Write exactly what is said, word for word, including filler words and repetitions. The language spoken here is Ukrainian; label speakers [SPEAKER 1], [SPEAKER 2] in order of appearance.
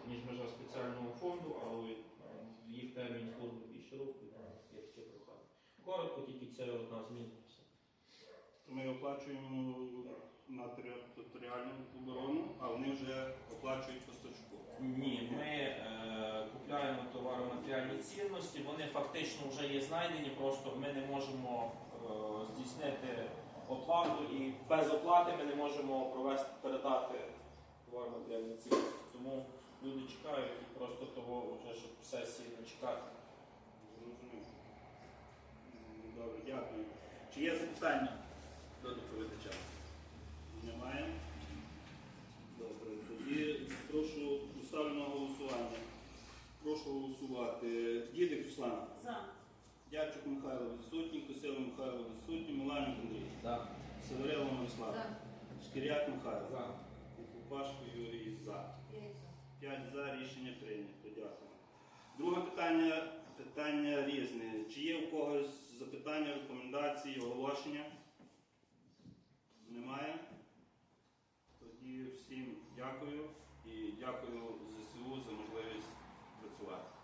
[SPEAKER 1] ніж межа спеціального фонду, але їх термін служби більш широкий, є таке прохання. Коротко, тільки це одна зміна.
[SPEAKER 2] Ми оплачуємо на територіальну оборону, а вони вже оплачують поставщику.
[SPEAKER 1] Ні, ми е, купляємо товаро-матеріальні цінності, вони фактично вже є знайдені, просто ми не можемо е, здійснити оплату і без оплати ми не можемо провести, передати товаро-матеріальні цінності. Тому люди чекають і просто того, вже, щоб сесії не чекати.
[SPEAKER 2] Зрозуміло. Добре, дякую. Чи є запитання до доповідача? Немає? Добре, тоді прошу поставлю на голосування. Прошу голосувати. Дідик Руслана.
[SPEAKER 3] За.
[SPEAKER 2] Дячук Михайло відсутній, Косило Михайло відсутній, Миланюк Андрій.
[SPEAKER 1] Так.
[SPEAKER 2] Северило Мирослав.
[SPEAKER 3] За.
[SPEAKER 2] Шкіряк Михайло.
[SPEAKER 1] За.
[SPEAKER 2] Купашко Юрій за.
[SPEAKER 3] П'ять за.
[SPEAKER 2] П'ять за, рішення прийнято. Дякую. Друге питання, питання різне. Чи є у когось запитання, рекомендації, оголошення? Немає? Тоді всім дякую і дякую ЗСУ за можливість працювати.